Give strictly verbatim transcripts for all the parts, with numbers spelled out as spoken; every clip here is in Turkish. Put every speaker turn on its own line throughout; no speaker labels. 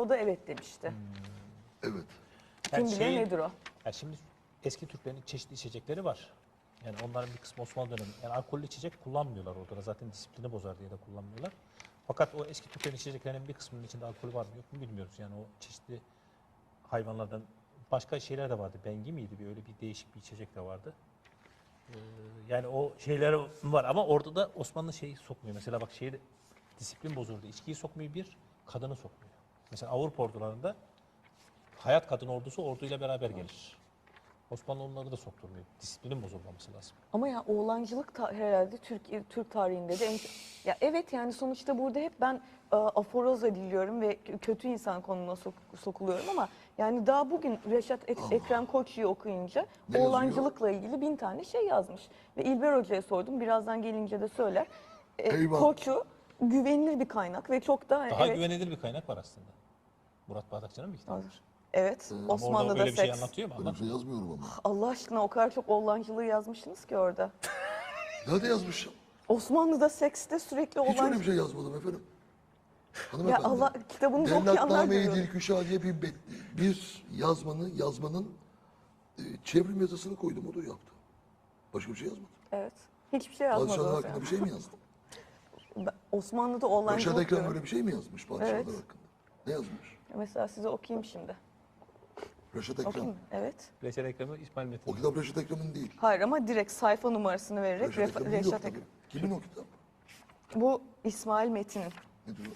O da evet demişti.
Hmm.
Evet.
Kim
Yani
bilir
şey-
nedir o?
Ya şimdi eski Türklerin çeşitli içecekleri var. Yani onların bir kısmı Osmanlı dönemi. Yani alkollü içecek kullanmıyorlar orada da. Zaten disiplini bozar diye de kullanmıyorlar. Fakat o eski Türklerin içeceklerinin bir kısmının içinde alkol var mı yok mu bilmiyoruz. Yani o çeşitli hayvanlardan başka şeyler de vardı. Bengi miydi? Bir öyle bir değişik bir içecek de vardı. Ee, yani o şeyler var ama orada da Osmanlı şeyi sokmuyor. Mesela bak şeyi de- disiplin bozuldu. İçkiyi sokmuyor bir, kadını sokmuyor. Mesela Avrupa ordularında hayat kadın ordusu orduyla beraber gelir. Osmanlı onları da sokturmuyor. Disiplinin bozulmaması lazım.
Ama ya oğlancılık ta- herhalde Türk Türk tarihinde de en ya evet yani sonuçta burada hep ben e, aforoz ediliyorum ve k- kötü insan konumuna sok- sokuluyorum ama yani daha bugün Reşat Ek- Ekrem Koçyiği okuyunca
Ne yazıyor?
oğlancılıkla ilgili bin tane şey yazmış ve İlber Hoca'ya sordum, birazdan gelince de söyler. E,
Eyvah.
Koçu güvenilir bir kaynak ve çok da
Daha
evet
güvenilir bir kaynak var aslında. Murat Bağdakçı'nın bir kitabı. var.
evet
Ama orada
Osmanlı'da
öyle bir şey
seks.
anlatıyor mu?
Öyle bir şey
Anlatmıyor.
yazmıyorum ama.
Allah aşkına o kadar çok oğlancılığı yazmışsınız ki orada.
Nerede yazmışım?
Osmanlı'da sekste sürekli
Hiç öyle
oğlancılık.
bir şey yazmadım efendim.
Ya
Hanımefendi.
Allah kitabınızı okuyanlar
Devletname-i
görüyorum.
Dilküşa diye bir, bet- bir yazmanın, yazmanın e, çevrim yazısını koydum, o da yaptı. Başka bir şey yazmadım.
Evet. Hiçbir şey yazmadınız
Padişahlar
yani.
hakkında bir şey mi yazdım?
Ben- Osmanlı'da
Reşat
oğlancılık
Ekrem
diyorum.
böyle bir şey mi yazmış padişahlar
Evet.
hakkında? Ne yazmış?
Mesela size okuyayım şimdi.
Reşat Ekrem.
Okuyayım mı? Evet.
Reşat Ekrem'i İsmail Metin.
O kitap Reşat Ekrem'in değil.
Hayır ama direkt sayfa numarasını vererek
Reşat
Refa-
Ekrem'in değil o
Reşat
kitabı.
Ekrem.
Kimin o kitap?
Bu İsmail Metin'in.
Ne diyor?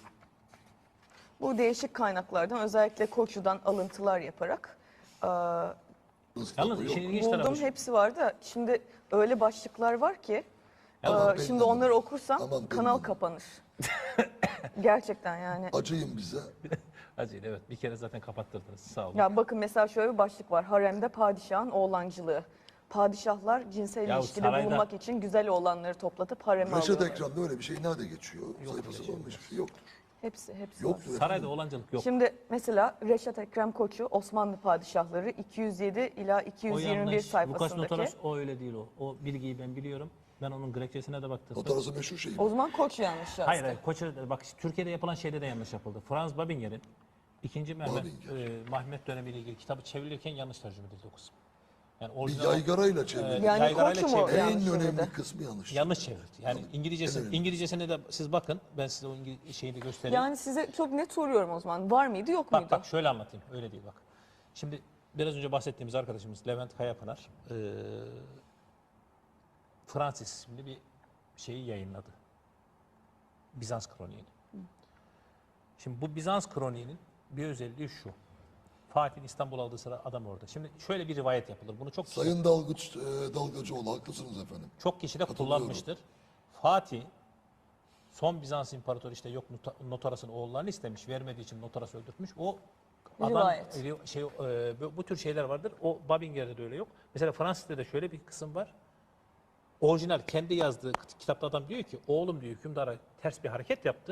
Bu değişik kaynaklardan özellikle Koçu'dan alıntılar yaparak e,
Nasıl kitap
Yalnız
o?
işin
Yok.
ilginç
buldum.
tarafı şu.
Hepsi var da şimdi öyle başlıklar var ki
Yalnız
e,
ben
şimdi
de-
onları okursam
Tamam, ben
kanal
de-
kapanır. Gerçekten yani.
Acıyın bize.
Acil evet. Bir kere zaten kapattırdınız. Sağ olun.
Ya bakın mesela şöyle bir başlık var. Haremde padişahın oğlancılığı. Padişahlar cinsel
Ya
ilişkide
sarayda-
bulunmak için güzel oğlanları toplatıp hareme
Reşat
alıyorlar.
Ekrem'de öyle bir şey nerede geçiyor? Sayfasında
şey
olmuş bir şey yoktur.
Hepsi, hepsi
Yoktur
var.
Sarayda
efendim.
oğlancılık yok.
Şimdi mesela Reşat Ekrem Koçu Osmanlı padişahları iki yüz yedi ila iki
O
yüz yirmi bir
yanlış. Lukas
sayfasındaki.
Notaras o öyle değil o. O bilgiyi ben biliyorum. Ben onun Grekçesine de baktım.
Notarası meşhur şey.
O zaman Koç yanlış yazdı.
Hayır hayır. Koç'a bak Türkiye'de yapılan şeyde de yanlış yapıldı. Franz Babinger'in ikinci Mehmet
Babinger.
e, Mahmet dönemiyle ilgili kitabı çevrilirken yanlış tercüme edildi o kısım. Yani
Bir
orijinal
yaygarayla çevrildi.
Yani
yaygarayla
Koç mu
çevrildi.
yanlış
En önemli
söyledi?
kısmı yanlış.
yanlış çevrildi. Yani
Yanlış.
İngilizcesi,
En önemli.
İngilizcesine de siz bakın. Ben size o İngiliz şeyini de göstereyim.
Yani size çok net soruyorum o zaman. Var mıydı yok
Bak
muydu?
bak şöyle anlatayım. Öyle değil bak. Şimdi biraz önce bahsettiğimiz arkadaşımız Levent Kayapınar eee Francis isimli bir şeyi yayınladı. Bizans Kroniğini. Şimdi bu Bizans Kroniğinin bir özelliği şu. Fatih'in İstanbul aldığı sıra adam orada. Şimdi şöyle bir rivayet yapılır. Bunu çok kişi,
Sayın Dalgıç, e, Dalgacıoğlu haklısınız efendim.
çok kişi de
Katılıyorum.
kullanmıştır. Fatih son Bizans İmparatoru işte yok nota- Notaras'ın oğullarını istemiş. Vermediği için Notaras öldürtmüş. O adam
Rivayet.
ri- şey e, bu- bu tür şeyler vardır. O Babinger'de de öyle yok. Mesela Fransız'da da şöyle bir kısım var. Orijinal kendi yazdığı kit- kitapta adam diyor ki oğlum diyor hükümdara ters bir hareket yaptı.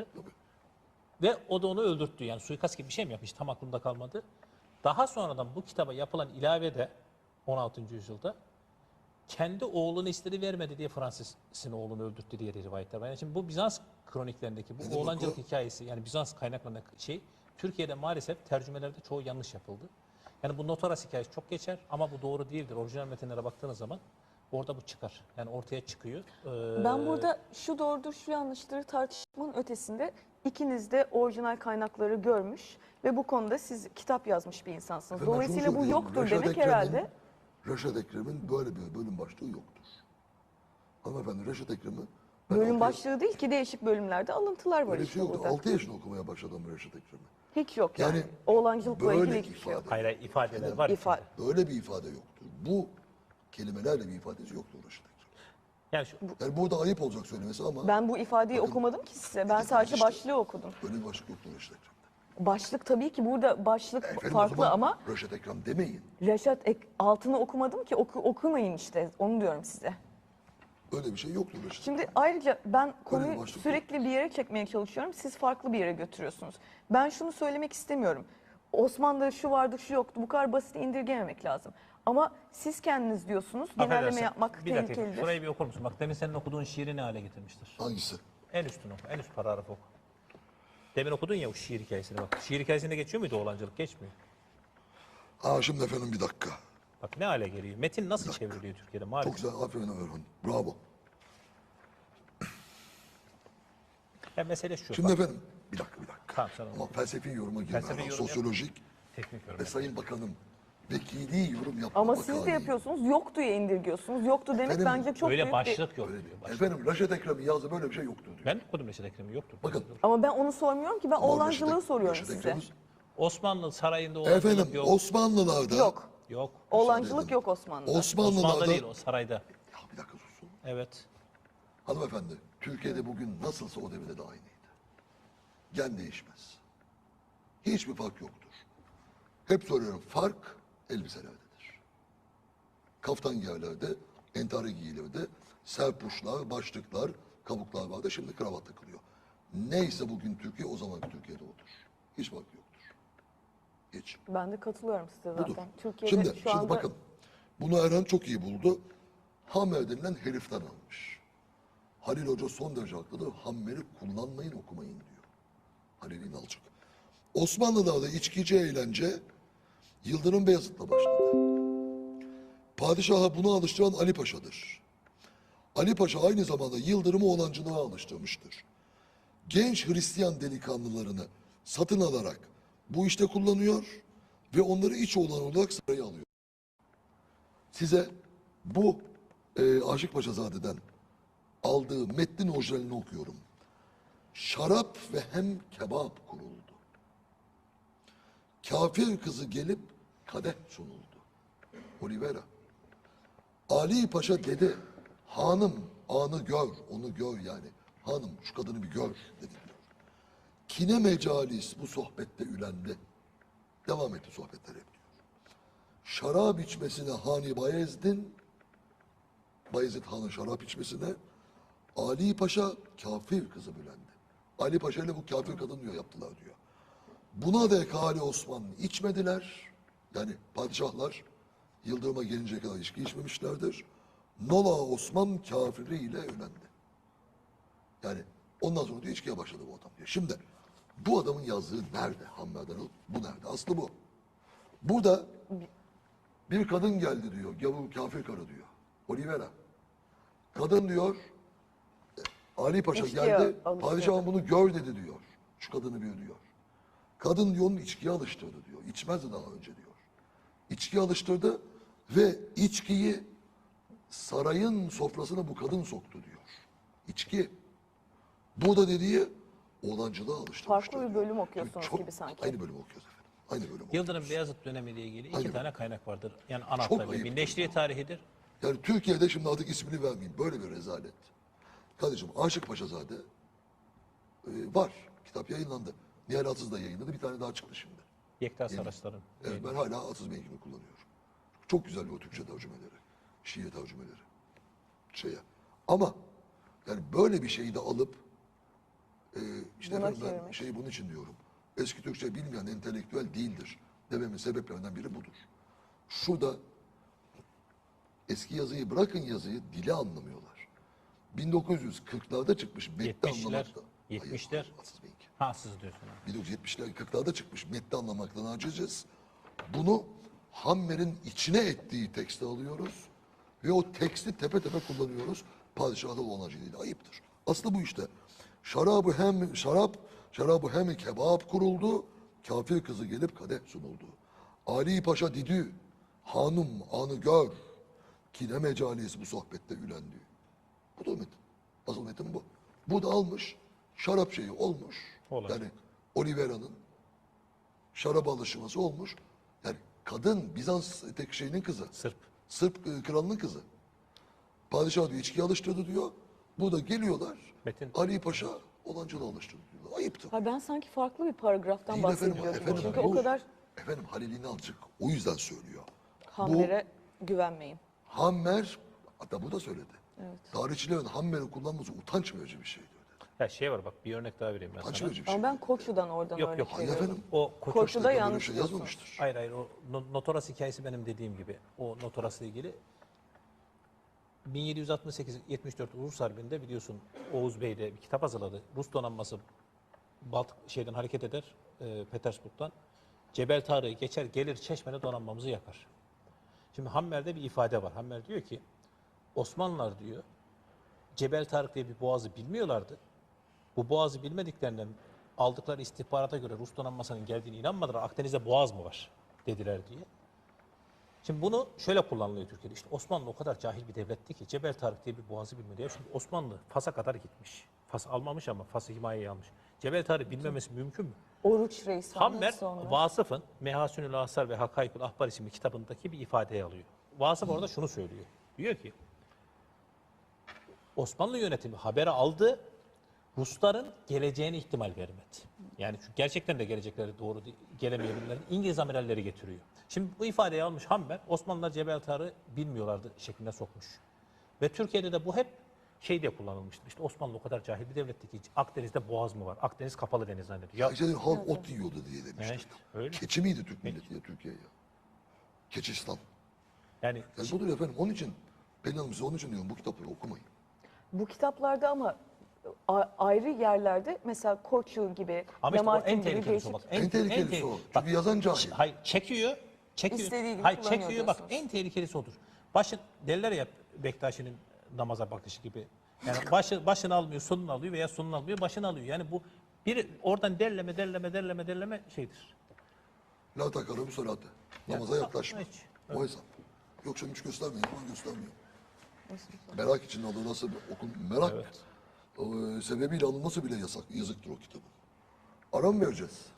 Ve o da onu öldürttü. Yani suikast gibi bir şey mi yapmış? Tam aklımda kalmadı. Daha sonradan bu kitaba yapılan ilavede on altıncı yüzyılda kendi oğlunu istedi vermedi diye Fransız'ın oğlunu öldürttü diye rivayetler var. Yani şimdi bu Bizans kroniklerindeki
Ne
bu
demek
oğlancılık
o?
hikayesi yani Bizans kaynaklarında şey Türkiye'de maalesef tercümelerde çoğu yanlış yapıldı. Yani bu Notaras hikayesi çok geçer ama bu doğru değildir. Orijinal metinlere baktığınız zaman orada bu çıkar. Yani ortaya çıkıyor. Ee,
Ben burada şu doğrudur, şu yanlıştır tartışmanın ötesinde ikiniz de orijinal kaynakları görmüş ve bu konuda siz kitap yazmış bir insansınız.
Efendim, ben şunu
Dolayısıyla bu
söyleyeyim.
yoktur
Reşat
demek
Ekrem'in-
herhalde.
Reşat Ekrem'in böyle bir bölüm başlığı yoktur. Hanımefendi Reşat Ekrem'i ben
Bölüm
altı-
başlığı değil ki değişik bölümlerde alıntılar var
Böyle bir
işte
şey yoktu.
burada.
altı yaşında okumaya başladım Reşat Ekrem'i.
Hiç yok yani.
Yani
Oğlancılıkla
böyle
ilgili hiçbir şey yok.
ifade-
hayır, hayır, ifadeler var.
İfa-
içinde.
Böyle bir ifade yoktur. Bu kelimelerle bir ifadesi yoktur Reşat Ekrem.
Yani şu,
Yani burada ayıp olacak söylemesi ama
Ben bu ifadeyi
Bakın,
okumadım ki size. Ben
işte
sadece
işte.
başlığı okudum.
böyle bir başlık yoktur Reşat Ekrem'de.
Başlık tabii ki burada başlık
Efendim, o
farklı
zaman
ama
Reşat Ekrem demeyin.
Reşat Ek, altını okumadım ki oku, okumayın işte onu diyorum size.
Öyle bir şey yoktur Reşat.
Şimdi ayrıca ben konuyu
bir başlık
sürekli bir yere çekmeye çalışıyorum. Siz farklı bir yere götürüyorsunuz. Ben şunu söylemek istemiyorum. Osmanlı'da şu vardı şu yoktu. Bu kadar basit indirgememek lazım. Ama siz kendiniz diyorsunuz. Genelleme
affedersin,
yapmak
bir dakika,
tehlikelidir.
şurayı bir okur musun? Bak demin senin okuduğun şiiri ne hale getirmiştir?
Hangisi?
En üstünü oku, en üst paragrafı oku. Demin okudun ya o şiir hikayesini bak. Şiir hikayesinde geçiyor muydu oğlancılık? Geçmiyor.
Aa şimdi efendim bir dakika.
Bak ne hale geliyor. Metin nasıl çevriliyor Türkiye'de
Çok
maalesef.
güzel, aferin Orhun. Bravo.
Ya mesele şu.
Şimdi
bak,
efendim, bir dakika bir dakika.
Tamam, sen onu-
Ama felsefi yoruma girme.
Felsefi
Erhan.
yorum yap.
Sosyolojik
teknik yorum.
ve Sayın Bakanım vekili yorum yapma
Ama
vakayı.
siz de yapıyorsunuz. Yoktu ya indirgiyorsunuz. Yoktu demek
Efendim,
bence çok
Öyle
büyük bir...
başlık yok diyor. Başlık.
Efendim Raşet Ekrem'in yazdığı böyle bir şey yoktur diyor.
Ben okudum Reşat Ekrem'i yoktur.
Bakın.
Ama ben onu sormuyorum ki. Ben
Ama
oğlancılığı
Reşet-
soruyorum
Reşet
size.
Ekrem'in-
Osmanlı sarayında oğlancılık
Efendim
yok.
Osmanlılarda.
Yok.
Yok.
Oğlancılık
edin.
yok Osmanlı'da.
Osmanlılarda.
Osmanlı'da değil o sarayda.
Ya bir dakika susun.
Evet.
Hanımefendi, Türkiye'de bugün nasılsa o devirde de aynıydı. Gen değişmez. Hiçbir fark yoktur. Hep soruyorum, fark elbiselerdedir. Kaftan giyerlerde, entari giyilirdi. Serpuşlar, başlıklar, kabuklar vardı. Şimdi kravat takılıyor. Neyse bugün Türkiye, o zamanki Türkiye'de odur. Hiç fark yoktur. Hiç.
Ben de katılıyorum size zaten.
Budur.
Türkiye'de
Şimdi,
şu
şimdi
anda
bakın. Bunu Erhan çok iyi buldu. Hammer denilen heriften almış. Halil Hoca son derece haklıdır. Hammer'i kullanmayın, okumayın diyor. Halil İnalcık. Osmanlılar'da içkici eğlence Yıldırım Beyazıt'la başladı. Padişaha bunu alıştıran Ali Paşa'dır. Ali Paşa aynı zamanda Yıldırım'ı oğlancılığa alıştırmıştır. Genç Hristiyan delikanlılarını satın alarak bu işte kullanıyor ve onları iç oğlan olarak saraya alıyor. Size bu e, Aşık Paşazade'den aldığı metnin orijinalini okuyorum. Şarap ve hem kebap kuruldu. Kafir kızı gelip kadeh sunuldu. Olivera. Ali Paşa dedi, hanım anı gör, onu gör yani. Hanım şu kadını bir gör dedi diyor. Kine mecalis bu sohbette ülendi. Devam etti sohbetler hep diyor. Şarap içmesine Hani Bayezid'in, Bayezid Han'ın şarap içmesine Ali Paşa kafir kızı bülendi. Ali Paşa ile bu kafir kadın diyor yaptılar diyor. Buna dek Ali Osman içmediler. Yani padişahlar Yıldırım'a gelinceye kadar içki içmemişlerdir. Nola Osman kafiriyle ölendi. Yani ondan sonra diyor içkiye başladı bu adam diyor. Şimdi bu adamın yazdığı nerede? Hammer'den alıp bu nerede? Aslı bu. Burada bir kadın geldi diyor. Gavur kafir karı diyor. Olivera. Kadın diyor Ali Paşa
İçkiye
geldi.
alıştırdı.
Padişahım bunu gör dedi diyor. Şu kadını bir diyor. Kadın diyor onu içkiye alıştırdı diyor. İçmezdi daha önce diyor. İçkiye alıştırdı ve içkiyi sarayın sofrasına bu kadın soktu diyor. İçki. Bu da dediği oğlancılığa alıştırmıştır.
Farklı bir
diyor.
bölüm okuyorsunuz
Çok-
gibi sanki.
Aynı bölüm okuyoruz efendim. Aynı bölüm okuyoruz.
Yıldırım Beyazıt dönemiyle ilgili iki
Aynen.
tane kaynak vardır. Yani
Çok
anahtar ve
ayıptır
birleştiği tarihidir.
Yani Türkiye'de şimdi artık ismini vermeyeyim. Böyle bir rezalet. Kardeşim Aşık Paşazade e, var. Kitap yayınlandı. Nihal Atsız da yayınladı. Bir tane daha çıktı şimdi.
Yekta Saraçlar'ın.
Evet, ben hala Atsız Bey'inkini kullanıyorum. Çok güzel o Türkçe tercümeleri. Şiir tercümeleri. Şeye. Ama yani böyle bir şeyi de alıp e, işte
Buna
efendim ben
çevirmek.
şeyi bunun için diyorum. Eski Türkçe bilmeyen entelektüel değildir dememin sebeplerinden biri budur. Şurada eski yazıyı bırakın yazıyı dili anlamıyorlar. bin dokuz yüz kırklarda çıkmış metni
Yetmişler,
anlamakta.
yetmişler.
Hayır, Atsız Bey'inki.
Ha siz diyorsun. ha.
bin dokuz yüz yetmişler kırklarda çıkmış metni anlamaktan aciziz. Bunu Hammer'in içine ettiği tekste alıyoruz ve o teksti tepe tepe kullanıyoruz. Padişahda oğlancılığıyla ayıptır. Aslı bu işte. Şarabı hem şarap, şarabı hem kebap kuruldu. Kafir kızı gelip kadeh sunuldu. Ali Paşa didü, hanım anı gör. Kine mecalis bu sohbette ülendi. Bu da metin. Asıl metin bu. Bu da almış, şarap şeyi olmuş.
Olacak.
Yani Olivera'nın şarap alışması olmuş. Yani kadın Bizans tek şeyinin kızı.
Sırp.
Sırp e, kralının kızı. Padişah diyor içkiye alıştırdı diyor. Burada geliyorlar.
Metin.
Ali Paşa olancılığa alıştırdı diyorlar. Ayıptır.
Ha, ben sanki farklı bir paragraftan
Değil efendim,
bahsediyordum.
efendim,
Çünkü
bu-
o kadar
Efendim Halil İnalcık o yüzden söylüyor.
Hammer'e güvenmeyin.
Hammer, hatta bu da söyledi. Tarihçilerin Hammer'i kullanması utanç verici bir şeydi.
Ya şey var bak bir örnek daha vereyim ben
Utanç
sana.
verici bir şey.
Ama ben Koçu'dan oradan
Yok,
örnek
yok.
Hayır
veriyorum.
efendim.
O Koç
Koçu'da
Böyle bir
yanlış
şey
diyorsunuz.
yazmamıştır.
Hayır hayır o no- Notoras hikayesi benim dediğim gibi. O Notoras'la ilgili bin yedi yüz altmış sekiz yetmiş dört Rus Harbi'nde biliyorsun Oğuz Bey de bir kitap hazırladı. Rus donanması Baltık şeyden hareket eder, e, Petersburg'dan. Cebel Tarık'ı geçer, gelir Çeşme'de donanmamızı yakar. Şimdi Hammer'de bir ifade var. Hammer diyor ki, Osmanlılar diyor, Cebel Tarık diye bir boğazı bilmiyorlardı. Bu boğazı bilmediklerinden aldıkları istihbarata göre Rus donanmasının geldiğine inanmadılar. Akdeniz'de boğaz mı var dediler diye. Şimdi bunu şöyle kullanılıyor Türkiye'de. İşte Osmanlı o kadar cahil bir devletti ki Cebel Tarık diye bir boğazı bilmedi. Ya şimdi Osmanlı Fas'a kadar gitmiş. Fas almamış ama Fas'ı himayeye almış. Cebel Tarık bilmemesi mümkün mü?
Oruç Reis falan
Hammer,
sonra.
Vasıf'ın Mehasünül Asar ve Hakaykul Ahbar isimli kitabındaki bir ifadeyi alıyor. Vasıf orada şunu söylüyor. Diyor ki, Osmanlı yönetimi haberi aldı, Rusların geleceğine ihtimal vermedi. Yani çünkü gerçekten de gelecekleri doğru değil- gelemeyebilirler. İngiliz amiralleri getiriyor. Şimdi bu ifadeyi almış Hammer, Osmanlılar Cebel Tarık'ı bilmiyorlardı şeklinde sokmuş. Ve Türkiye'de de bu hep şey diye kullanılmıştır. İşte Osmanlı o kadar cahil bir devletti ki Akdeniz'de boğaz mı var? Akdeniz kapalı deniz zannediyor. Ya,
Ya işte halk ot yiyordu diye demişler.
yani işte öyle.
Keçi miydi Türk milleti ya Türkiye ya? Keçistan.
Yani
Yani budur efendim. Onun için Pelin Hanım size onun için diyorum bu kitapları okumayın.
Bu kitaplarda ama a- ayrı yerlerde mesela Koçu gibi,
ama işte o
Lamartine
en
gibi
tehlikelisi o
değişik
bak.
En tehlikelisi
te-
o.
bak,
Çünkü yazan cahil.
Hayır çekiyor. Çekiyor.
İstediği gibi
Hayır
kullanıyor
çekiyor bak
diyorsunuz.
en tehlikelisi odur. Başın derler ya Bektaşi'nin namaza bakışı gibi. Yani başı başını almıyor, sonunu alıyor veya sonunu almıyor, başını alıyor. Yani bu bir oradan derleme derleme derleme derleme şeydir.
La takarım salate. Namaza
Yani,
yaklaşma.
hiç.
O hesap. Yoksa hiç göstermeyin. Ama göstermiyor. Merak için alınması, okun, merak
Evet.
e, sebebiyle alınması bile yasak, yazıktır o kitabın. Ara mı vereceğiz?